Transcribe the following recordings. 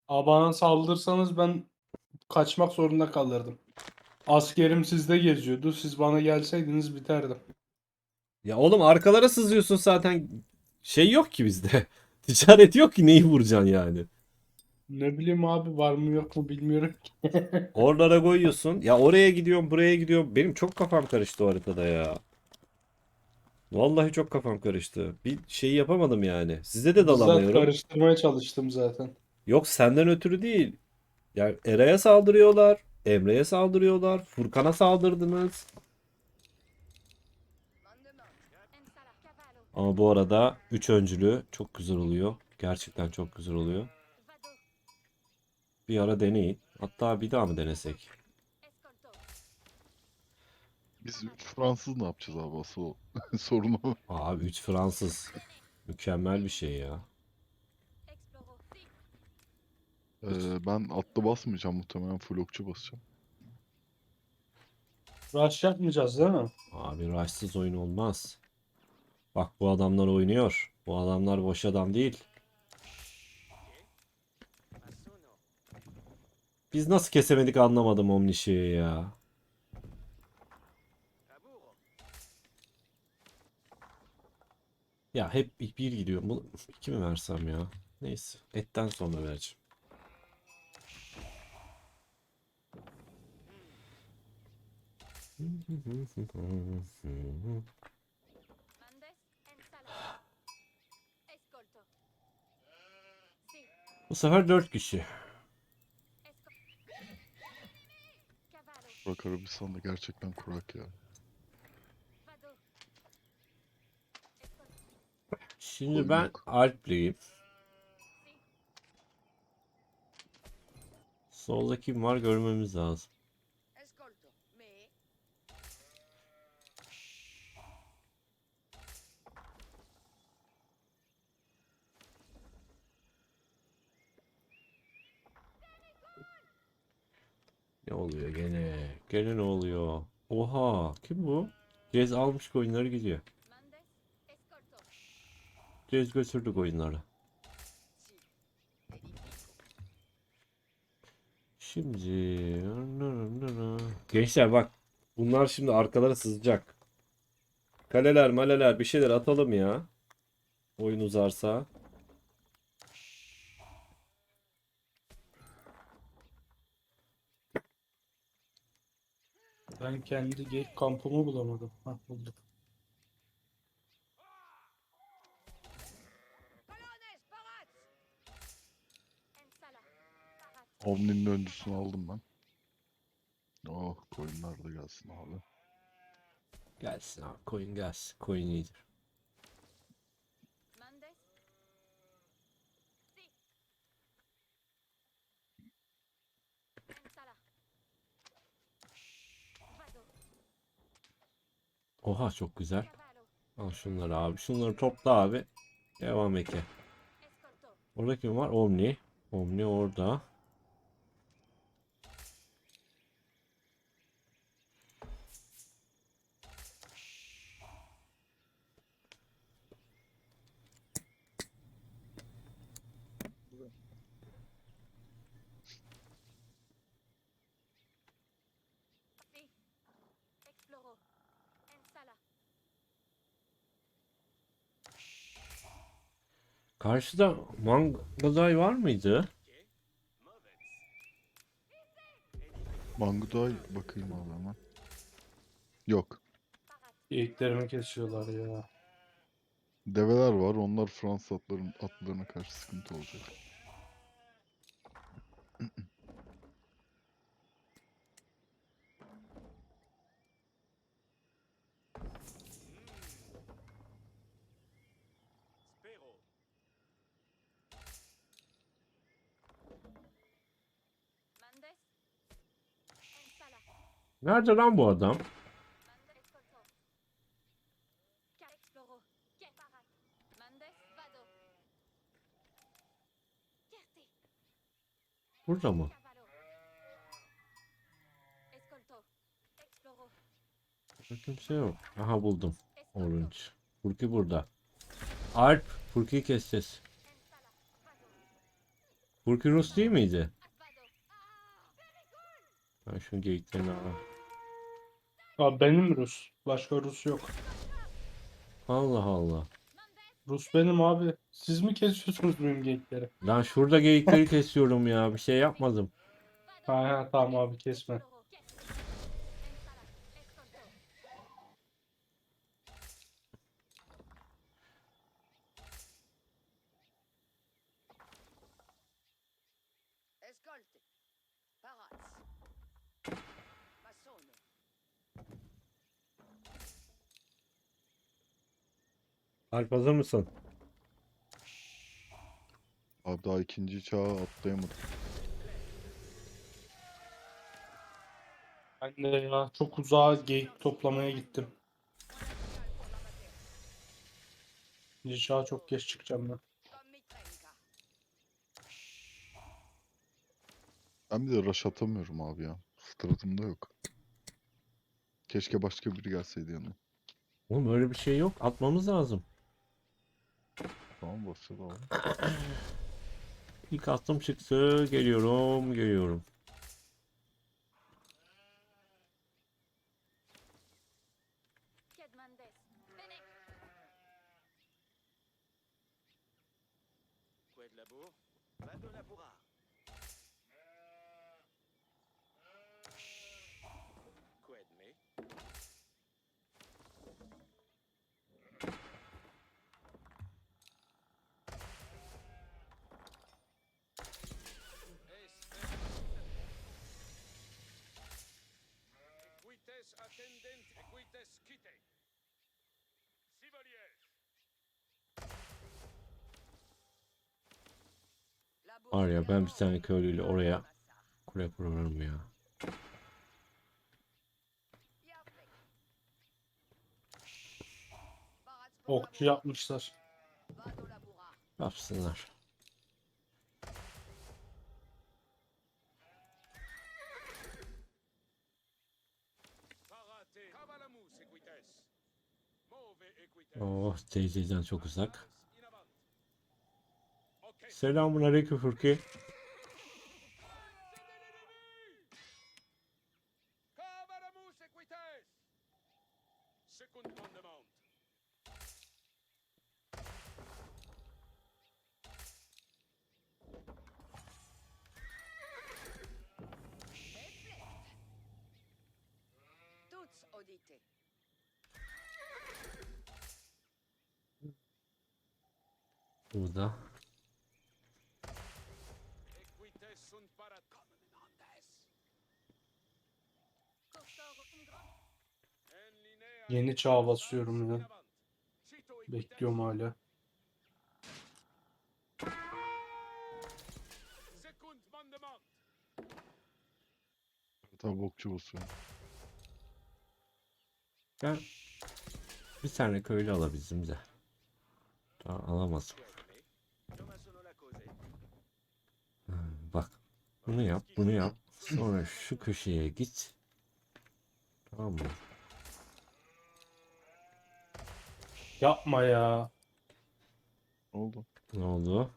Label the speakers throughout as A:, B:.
A: Bana saldırsanız ben kaçmak zorunda kalırdım. Askerim sizde geziyordu. Siz bana gelseydiniz biterdim.
B: Ya oğlum arkalara sızıyorsun zaten. Şey yok ki bizde. Ticaret yok ki neyi vuracaksın yani.
A: Ne bileyim abi, var mı yok mu bilmiyorum ki.
B: Oralara koyuyorsun. Ya oraya gidiyorum, buraya gidiyorum. Benim çok kafam karıştı o haritada ya. Vallahi çok kafam karıştı. Bir şey yapamadım yani. Size de
A: Bizzat
B: dalamıyorum.
A: karıştırmaya çalıştım zaten.
B: Yok senden ötürü değil. Yani Eray'a saldırıyorlar. Emre'ye saldırıyorlar. Furkan'a saldırdınız. Ama bu arada 3 öncülü çok güzel oluyor. Gerçekten çok güzel oluyor. Bir ara deneyin. Hatta bir daha mı denesek?
C: Biz 3 Fransız ne yapacağız abi asıl o sorun o.
B: Abi 3 Fransız. Mükemmel bir şey ya.
C: Ben atlı basmayacağım, muhtemelen full okçu basacağım.
A: Rush yapmayacağız değil mi?
B: Abi rushsız oyun olmaz. Bak bu adamlar oynuyor. Bu adamlar boş adam değil. Biz nasıl kesemedik anlamadım Omnişi'yi ya. Ya hep bir gidiyor. Bu iki mi versem ya? Neyse. Etten sonra vereceğim. Bu sefer 4 kişi.
C: Burak Arabistan'da gerçekten kurak ya.
B: Şimdi
C: Koyun
B: ben
C: yok.
B: Alpliyim. Solda kim var görmemiz lazım. Ne oluyor gene? Gene ne oluyor? Oha kim bu? Cez almış koyunları gidiyor. Cez götürdü koyunları. Şimdi gençler bak bunlar şimdi arkalara sızacak. Kaleler maleler bir şeyler atalım ya. Oyun uzarsa.
A: Ben kendi kampımı bulamadım. Hah, buldum.
C: Omni'nin öncüsünü aldım ben. Oh, koyunlar da gelsin abi.
B: Gelsin abi koyun gelsin. Koyun iyidir. Oha çok güzel. Al şunları abi. Şunları topla abi. Devam eke. Orada kim var? Omni. Omni orada. Karşıda Mangazay var mıydı?
C: Manguday bakayım abi hemen. Yok.
A: Geyiklerimi kesiyorlar ya.
C: Develer var. Onlar Fransız atlarına karşı sıkıntı olacak.
B: Nerede lan bu adam? Burada mı? Burada kimse yok. Aha buldum. Orange. Furki burada. Alp. Furki'yi keseceğiz. Furki Rus değil miydi? Ben şu geyiklerini alayım.
A: Abi benim Rus. Başka Rus yok.
B: Allah Allah.
A: Rus benim abi. Siz mi kesiyorsunuz benim geyikleri?
B: Lan şurada geyikleri kesiyorum ya. Bir şey yapmadım.
A: Ha, tamam abi kesme.
D: Escolte. Paraz. Massone.
B: Alp hazır mısın?
C: Abi daha ikinci çağa atlayamadım.
A: Ben de ya çok uzağa geyik toplamaya gittim. İnşallah çok geç çıkacağım ben.
D: Comme Mitrenka.
C: Ben bir de rush atamıyorum abi ya. Stratımda yok. Keşke başka biri gelseydi yanıma.
B: Oğlum öyle bir şey yok. Atmamız lazım.
C: Tamam başladı abi.
B: İlk attım çıktı. Geliyorum. Geliyorum.
D: Kedmandes. Fenech.
E: Quoi de labour? Va de laboura. Quoi de mai? Equites attendent, equites quite. Sivolier.
B: Var ya ben bir tane köylüyle oraya kule kurarım ya.
A: Okçu yapmışlar.
B: Yapsınlar.
E: Parate. Cavalamus equites. Move equites.
B: Oh teyzeden çok uzak.
E: In avant. Ok.
B: Selamun aleyküm Furki.
E: Cavalamus equites. Second commandement.
D: Toutes audite.
B: Burada.
E: Equites sunt parat. Commandants. En linea.
A: Yeni çağa basıyorum
E: In
A: ya.
E: avant. Cito equites.
A: Bekliyorum hala.
E: Second commandement.
C: Tabi okçu basıyor.
B: Ben bir tane köylü alabildim de. Daha alamazdım. Bak. Bunu yap, bunu yap. Sonra şu köşeye git. Tamam mı?
A: Yapma ya.
C: Ne oldu?
B: Ne oldu?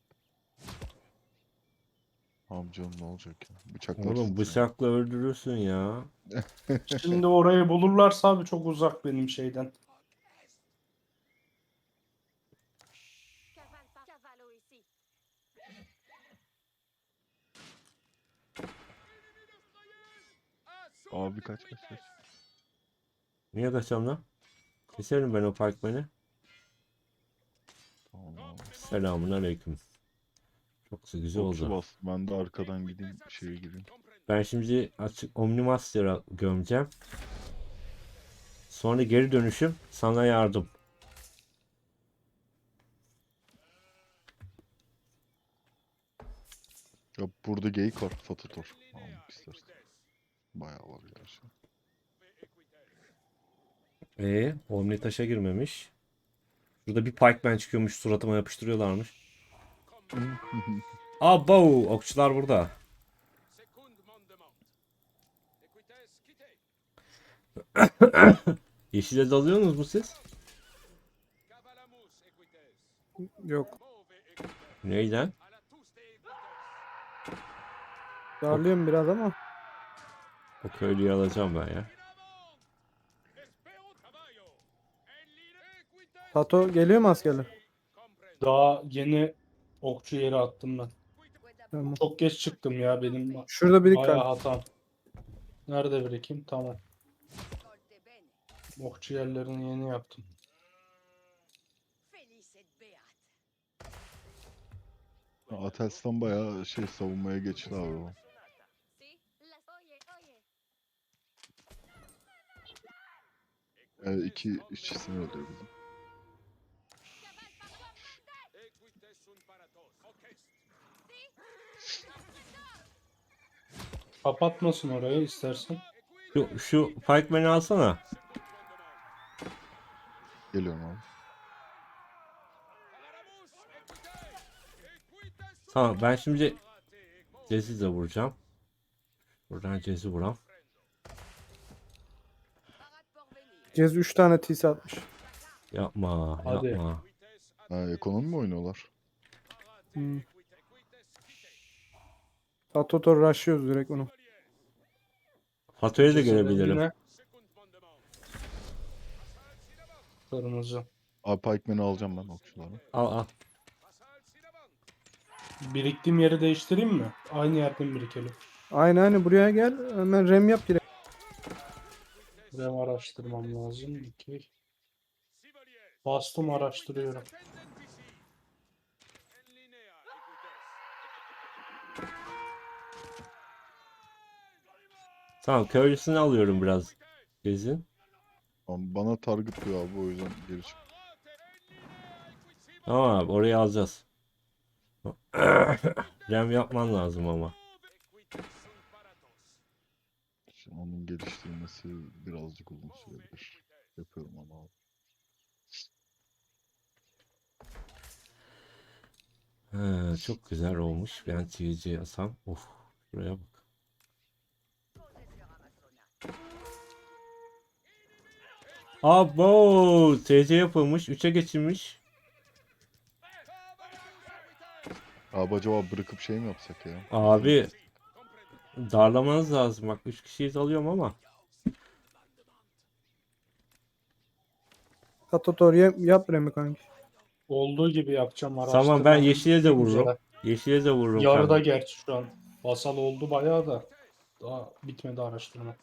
C: Abi canım ne olacak ya? Bıçaklar
B: Oğlum
C: sizi.
B: bıçakla öldürürsün ya.
A: Şimdi orayı bulurlarsa abi çok uzak benim şeyden.
D: Cavallo ici.
C: Abi kaç.
B: Niye kaçalım lan? Keserim ben o parkmanı.
C: Tamam abi.
B: Selamun aleyküm. Çok da güzel
C: Okçu
B: oldu.
C: bas. Ben de arkadan gideyim şeye gireyim.
B: Ben şimdi açık Omnimaster'a gömeceğim. Sonra geri dönüşüm sana yardım.
C: Ya burada geyik var. Fatator. Almak istersen. Bayağı var gerçi.
B: Omni taşa girmemiş. Burada bir pikeman çıkıyormuş, suratıma yapıştırıyorlarmış. Abo, okçular burada.
E: Second commandement. Equites quite.
B: Yeşile dalıyorsunuz mu siz?
E: Cavalamus equites.
A: Yok.
E: Move equites.
B: Neyden?
E: A la tous de equites.
F: Darlıyorum biraz ama.
B: O köylüyü alacağım ben ya.
E: Espero caballo. El líder equites.
F: Tato geliyor mu askerler?
E: Comprendo.
A: Daha yeni okçu yeri attım ben.
F: Tamam.
A: Çok geç çıktım ya benim
F: Şurada bir
A: bayağı
F: dikkat.
A: hatam. Nerede birikim? Tamam.
D: Ascolte bene.
A: Okçu yerlerini yeni yaptım.
D: Felice et beat.
C: Atelstan bayağı savunmaya geçti abi o.
D: Si? Las oye, oye.
C: İki işçisini öldürdü bizim.
E: Equites sunt paratos. Ocest.
A: Kapatmasın orayı istersen.
B: Şu Pikeman'i alsana.
C: Geliyorum abi.
E: Agaramus equite. Equites sunt
B: Tamam ben şimdi
E: parate.
B: Cez'i de vuracağım. Buradan Cez'i vuram.
D: Parat por venir.
F: Cez 3 tane TS atmış.
B: Yapma,
A: Hadi.
B: yapma.
E: Equites
C: Ha, ekonomi mi oynuyorlar?
E: parate.
F: Hmm.
E: Equites quite.
F: Tato tor rushlıyoruz direkt onu.
B: Fatoyu da
A: Cezin rengi
B: görebilirim.
A: ne?
E: Secund mandement. Asal sinavant.
A: Kırmızı.
C: Abi Pikeman'i alacağım ben okçuları.
B: Al al.
E: Asal sinavant.
A: Biriktiğim yeri değiştireyim mi? Aynı yerden birikelim.
F: Aynen buraya gel. Hemen rem yap direkt.
A: Rem araştırmam lazım. 2.
E: Sibelius.
A: Bastım araştırıyorum.
E: Ascendent vici. En linea equites.
B: Tamam köylüsünü alıyorum biraz Cez'in.
C: Ama bana target diyor abi o yüzden geri çık.
B: Tamam abi orayı alacağız. Rem yapman lazım ama.
E: Equites sunt paratos.
C: Şimdi onun geliştirmesi birazcık uzun sürebilir. Yapıyorum ama abi.
B: Ha, çok güzel olmuş. Ben TC asam. Of. Şuraya bak.
D: Possesseur Amazona.
B: Abo! TC yapılmış. 3'e geçilmiş.
C: Abi acaba bırakıp mi yapsak ya?
B: Abi darlamanız lazım. Bak 3 kişiyiz alıyorum ama.
F: Tato tor yap remi kanki.
A: Olduğu gibi yapacağım
B: Tamam ben
A: araştırmam.
B: yeşile de vururum.
A: Üzere.
B: Yeşile de vururum
A: Yarıda
B: kanka.
A: gerçi şu an. Basal oldu bayağı da. Daha bitmedi araştırma.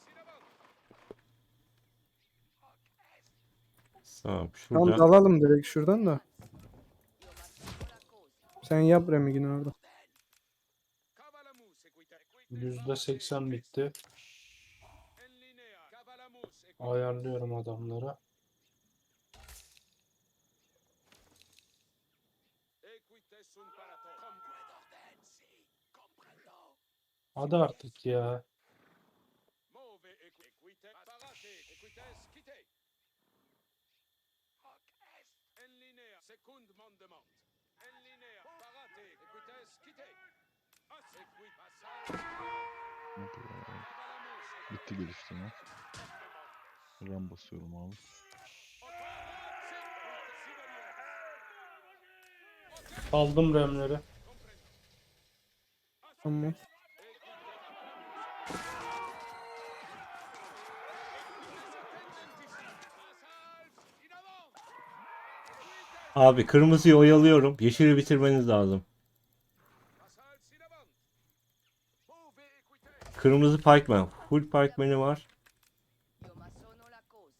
B: Tamam
F: Tamam
B: şurada.
F: dalalım direkt şuradan da.
D: Io m'assumo la cosa.
F: Sen yap remi yine orada.
E: Cavalamus equite.
A: %80 bitti.
E: En linea. Cavalamus equite.
A: Ayarlıyorum adamları.
E: Equites sunt paratos.
A: Hadi artık ya.
E: Move equite. Parate equites quite. En linea. Secund mandement. En linea. Parate equites quite. Equit passal. Cavalamus
C: Bitti geliştirme. RAM basıyorum abi.
A: Aldım remleri.
F: Tamam.
B: Abi kırmızıyı oyalıyorum. Yeşili bitirmeniz lazım.
E: Passal sinavant. Move equite.
B: Kırmızı Pikeman. Full Pikeman'i var.
D: Io m'assono la cose.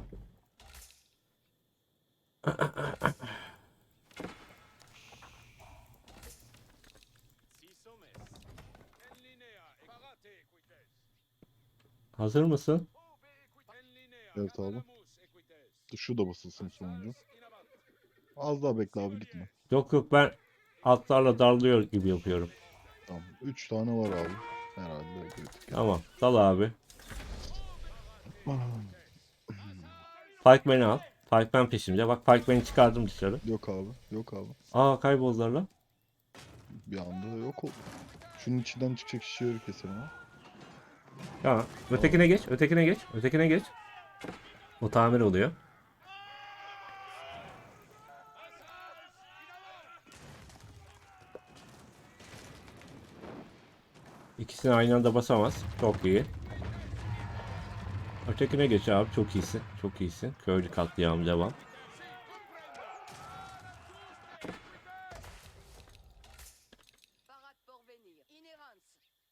E: Sisomes. En linea. Parate equites.
B: Hazır mısın?
E: Move equite. En linea.
C: Evet abi.
E: Cavalamus equites.
C: Şu da basılsın sonuncu.
E: Inavant.
C: Az daha bekle abi gitme.
B: Yok yok ben atlarla darlıyor gibi yapıyorum.
C: Tamam. 3 tane var abi. Herhalde kritik.
B: Tamam. Dal abi. Pikeman'i al. Pikeman peşimde. Bak Pikeman'i çıkardım dışarı.
C: Yok abi. Yok abi.
B: Aa kayboldular lan.
C: Bir anda yok oldu. Şunun içinden çıkacak şişeleri keselim ha.
B: Tamam. Ötekine geç. Ötekine geç. Ötekine geç. O tamir oluyor. İkisini aynı anda basamaz. Çok iyi. Ötekine geç abi. Çok iyisin. Çok iyisin. Köylü katliam devam.
D: Parade pour venir. Inhérence.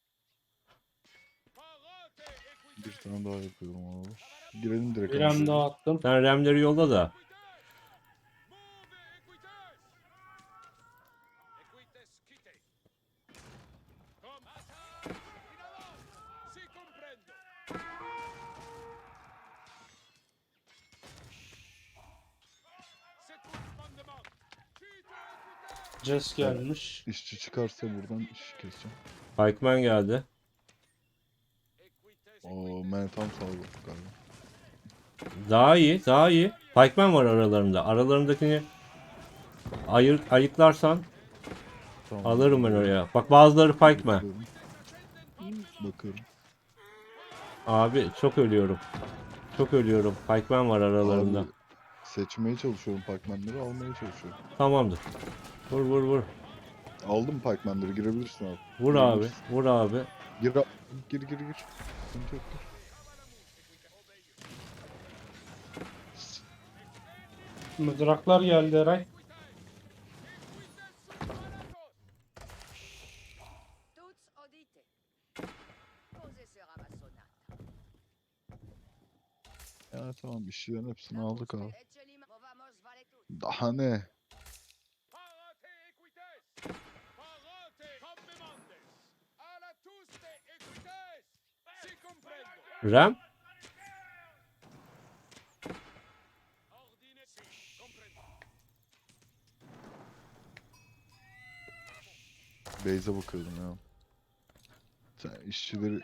E: Parate equites.
C: Bir tane daha yapıyorum abi. Girelim direkt.
A: Bir
C: ama
A: hem
C: şöyle.
A: daha attım.
B: Sen remleri yolla da.
E: Move equites. Equites quite. Comme attaque. In avance. Si comprendo. Second mandement. Quite equites.
A: Jess gelmiş.
C: İşçi çıkarsa buradan iş keseceğim.
B: Pikeman geldi.
E: Equites.
C: Oo, man tam sağlık galiba.
B: Daha iyi. Daha iyi. Pikeman var aralarında. Aralarındakini ayıklarsan
C: Tamam.
B: alırım ben oraya. Bak bazıları Pikeman.
C: Bakıyorum. Bakıyorum.
B: Abi çok ölüyorum. Çok ölüyorum. Pikeman var aralarında.
C: Abi, seçmeye çalışıyorum Pac-Man'leri, almaya çalışıyorum.
B: Tamamdır. Vur vur vur.
C: Aldım Pac-Man'leri, girebilirsin abi.
B: Vur abi.
C: Girebilirsin.
B: Vur abi.
C: Gir, gir, gir, gir. Sıkıntı yok, gir.
A: Mızraklar geldi Eray.
D: Tous audite. Posez sur Amassonat.
C: Ya tamam, işçilerin hepsini aldık abi.
D: Eccelima. Movamos vale tout.
C: Daha ne?
E: Parate equites. Parate combemandes. A la tuste equites. Si comprendo.
B: Rem.
E: Ordine si. Comprendo.
C: Beyze bakıyordum ya. Sen işçileri...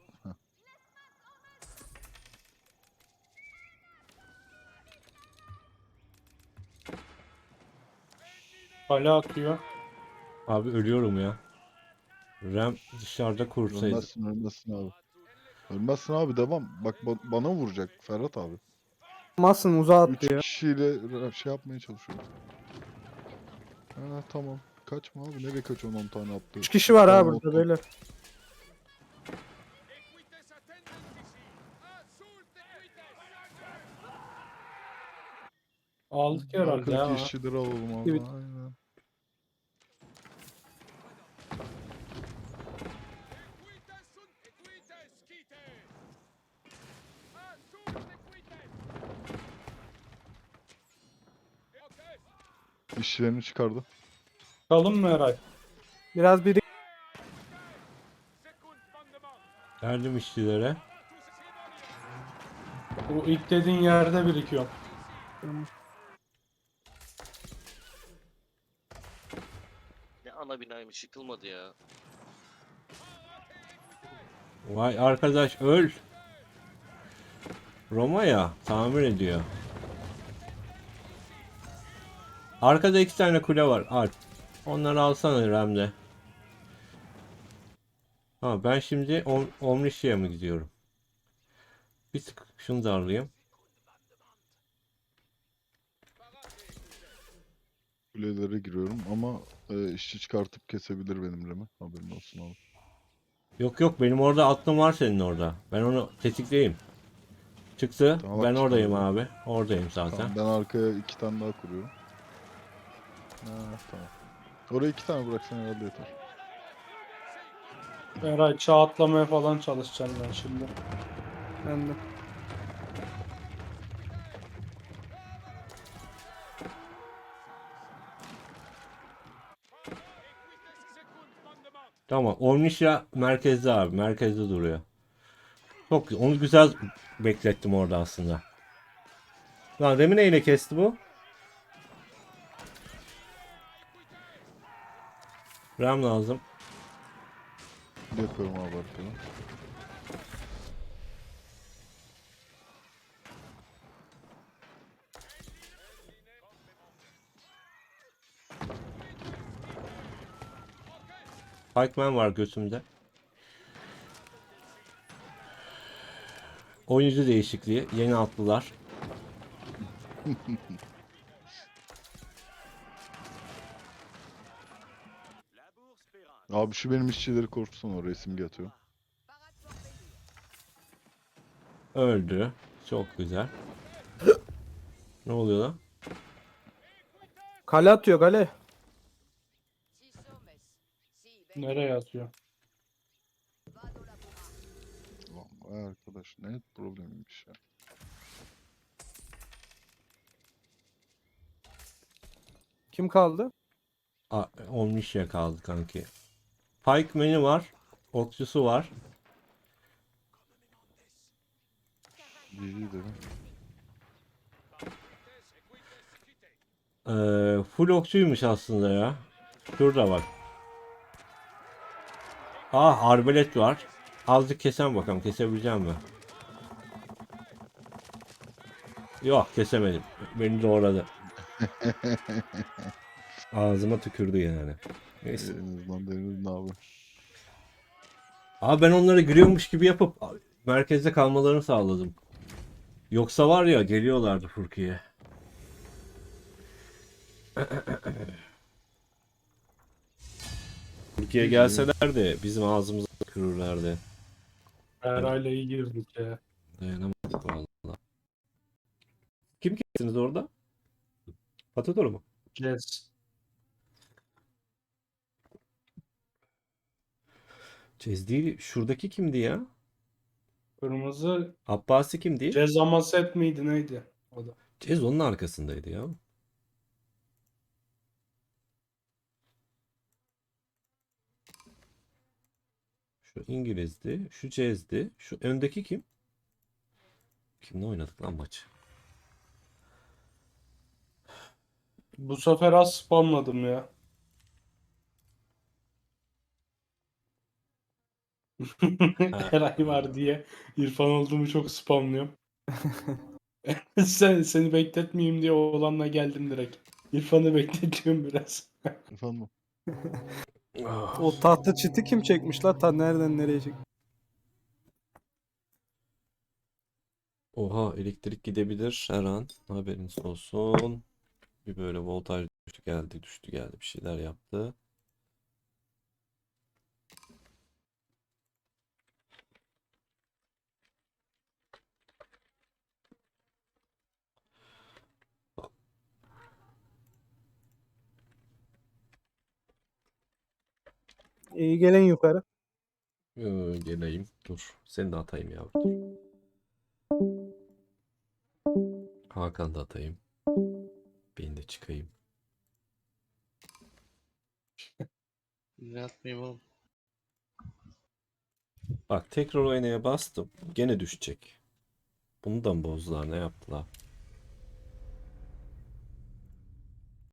A: Kale atıyor.
B: Abi ölüyorum ya. Rem dışarıda kursaydı.
C: Ölmezsin, ölmezsin abi. Ölmezsin abi, devam. Bak bana vuracak Ferhat abi.
F: Masın uzağa
C: 3
F: attı ya.
C: kişiyle şey yapmaya çalışıyorum. Ha tamam. Kaçma abi, nereye kaçıyorsun 10 tane attı.
F: 3 kişi var ha
C: Tamam,
F: burada
C: oldu.
F: beyler.
E: Equites attendentisi. Assulte equites.
A: Aldık herhalde ya.
C: Arkadaki işçileri alalım abi.
F: Evet.
C: Aynen.
E: Equites sunt equites quite. Assulte equites. Okay.
C: İşçilerini çıkardı.
A: Çıkalım mı Eray?
F: Biraz biri
E: Second mandement.
B: Geldim işçilere.
A: Bu ilk dediğin yerde birikiyor.
G: Ne ana binaymış yıkılmadı ya.
B: Vay arkadaş öl. Roma ya tamir ediyor. Arkada 2 tane kule var. Alp. Onları alsana Rem'de. Ha ben şimdi Omnisci'ye mi gidiyorum? Bir tık şunu da alayım.
C: Kulelere giriyorum ama işçi çıkartıp kesebilir benim Remi. Haberin olsun abi.
B: Yok yok benim orada aklım var senin orada. Ben onu tetikleyeyim. Çıktı.
C: Tamam, bak
B: Ben
C: çıktı
B: oradayım
C: orada.
B: abi. Oradayım zaten.
C: Tamam, ben arkaya 2 tane daha kuruyorum. Ha, tamam. Oraya 2 tane bıraksan herhalde yeter.
A: Eray çağ atlamaya falan çalışacağım ben şimdi.
F: ben de.
E: Equites secund mandement.
B: Tamam. Omniscia merkezde abi. Merkezde duruyor. Çok güzel. Onu güzel beklettim orada aslında. Lan Remi neyle kesti bu? Rem lazım.
C: Yapıyorum abi arkadan.
B: Pikeman var götümde. Oyuncu değişikliği. Yeni atlılar.
C: Abi şu benim işçileri korksun, oraya simge atıyor.
D: Parade pour venir.
B: Öldü. Çok güzel. Ne oluyor lan?
F: Kale atıyor kale.
D: Si sommes. Si venez.
A: Nereye atıyor?
D: Vado laborar.
C: Ulan vay arkadaş, ne problemiymiş ya.
F: Kim kaldı?
B: Olmuş ya kaldı kanki. Pikeman'i var. Okçusu var.
C: GG dedim.
B: Full okçuymuş aslında ya. Şurada bak. Arbalet var. Azıcık kesen bakalım. Kesebileceğim mi? Yok kesemedim. Beni doğradı. Ağzıma tükürdü yani. Neyse.
C: En azından denedin abi.
B: Ben onları giriyormuş gibi yapıp merkezde kalmalarını sağladım. Yoksa var ya geliyorlardı Furkiye. Furkiye gelseler de bizim ağzımızı kırırlardı.
A: Herhalde iyi girdik ya.
B: Dayanamadık valla. Kim kestiniz orada? Patador mu?
A: Yes.
B: Cez değil. Şuradaki kimdi ya?
A: Kırmızı
B: Abbasi kimdi?
A: Cezama set miydi neydi? O da.
B: Cez onun arkasındaydı ya. Şu İngiliz'di. Şu Cez'di. Şu öndeki kim? Kimle oynadık lan maçı?
A: Bu sefer az spamladım ya. Eray var diye İrfan olduğumu çok spamlıyorum. Seni bekletmeyeyim diye oğlanla geldim direkt. İrfan'ı bekletiyorum biraz.
C: Efendim?
F: O tahta çiti kim çekmiş la? Ta nereden nereye çek?
B: Oha elektrik gidebilir her an. Haberiniz olsun. Bir böyle voltaj düştü geldi bir şeyler yaptı.
F: İyi gelin yukarı.
B: Geleyim. Dur. Seni de atayım ya. Dur. Hakan da atayım. Ben de çıkayım.
G: Ne yapmayayım oğlum?
B: Bak tekrar oynaya bastım. Gene düşecek. Bunu da mı bozdular? Ne yaptılar?